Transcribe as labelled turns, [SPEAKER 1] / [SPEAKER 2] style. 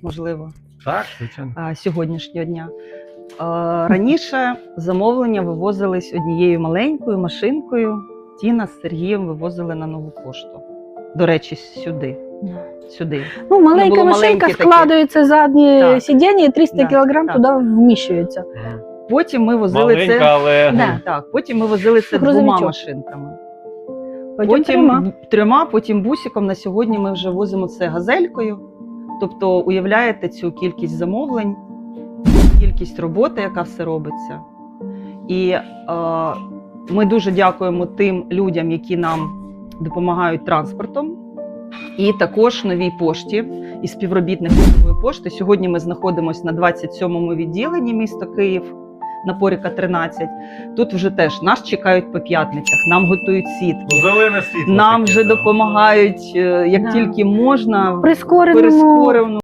[SPEAKER 1] можливо,
[SPEAKER 2] Так, звичайно.
[SPEAKER 1] сьогоднішнього дня. Раніше замовлення вивозились однією маленькою машинкою. Тіна з Сергієм вивозили на Нову пошту. До речі, сюди.
[SPEAKER 3] Ну, маленька
[SPEAKER 1] було
[SPEAKER 3] машинка
[SPEAKER 1] маленькі такі.
[SPEAKER 3] складується заднє
[SPEAKER 1] Так.
[SPEAKER 3] сидіння і 300
[SPEAKER 1] Да,
[SPEAKER 3] кілограм
[SPEAKER 1] так.
[SPEAKER 3] туди вміщується.
[SPEAKER 1] Потім ми возили
[SPEAKER 2] Маленька,
[SPEAKER 1] це.
[SPEAKER 2] але
[SPEAKER 3] Да.
[SPEAKER 1] Так, потім ми возили це двома
[SPEAKER 3] Грузовичок.
[SPEAKER 1] машинками.
[SPEAKER 3] Потім
[SPEAKER 1] трьома, потім бусиком. На сьогодні ми вже возимо це газелькою. Тобто, уявляєте цю кількість замовлень, кількість роботи, яка все робиться. І ми дуже дякуємо тим людям, які нам допомагають транспортом. І також Новій пошті і співробітникам Нової пошти. Сьогодні ми знаходимося на 27-му відділенні міста Київ, на Поріка 13. Тут вже теж нас чекають по п'ятницях, нам готують сітки.
[SPEAKER 2] зелене світло.
[SPEAKER 1] Нам
[SPEAKER 2] таке,
[SPEAKER 1] вже
[SPEAKER 2] да.
[SPEAKER 1] допомагають, як
[SPEAKER 3] Да.
[SPEAKER 1] тільки можна,
[SPEAKER 3] прискореному
[SPEAKER 1] прискорено.